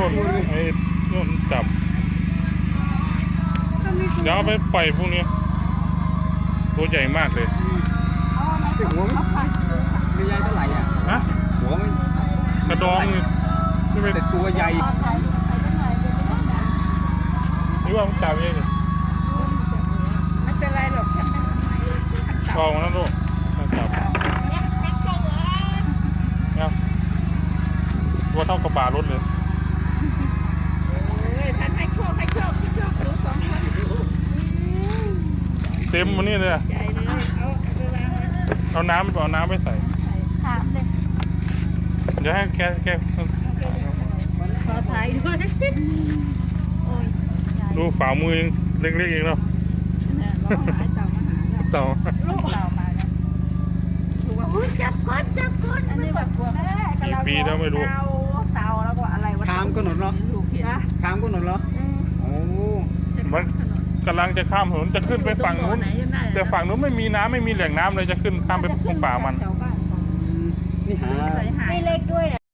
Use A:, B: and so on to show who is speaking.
A: นู่นไอ้นู่นจับเดี๋ยวเอาไปปล่อยพวกนี้ตัวใหญ่มากเลย
B: หัวมันไม่ใหญ่เท่าไหร่อ่ะ
A: ฮะ
B: หัวมัน
A: กระดองนี่ไม่
B: แต่ตัวใหญ่
A: นี่ว่ามันจับเอง
C: ไม่เป็นไรหรอกแค่ไม่ทำไม
A: กองนั่นลูกจับเนี่ยตัวเท่ากับบารถเลย
C: ท่านให้โชคให้โชคที่โชคหนู2 คน
A: เต็มมันนี่เลย
C: ใหญ่เลยเอาไปวางไว้
A: เอาน้ำไปใส่
C: ถามเลย
A: เดี๋ยวให้แก
C: ขอถ่ายด้วยโอ้ย
A: ดูฝ่ามือยังเล็กๆเองเนาะ
C: ร้องหายเต่ามาหาแล้ว
A: เต่า
C: ลูกเต่ามาแล้วถูกว่าอุ้ยจับก้นอันนี้แบบกลัวแม่กำลังเต่าแล้วก็อะไรวะ
B: ข้ามก็หนดเหรอ
C: ลูกเห็นนะ
B: ข้ามก็หนดเหรอโอ้
A: มันกำลังจะข้ามถนนจะขึ้นไปฝั่งนู้นแต่ฝั่งนู้นไม่มีน้ำไม่มีแหล่งน้ำเลยจะขึ้นข้ามไปตรงป่ามัน
B: นี่หา
C: ไม่เล็กด้วย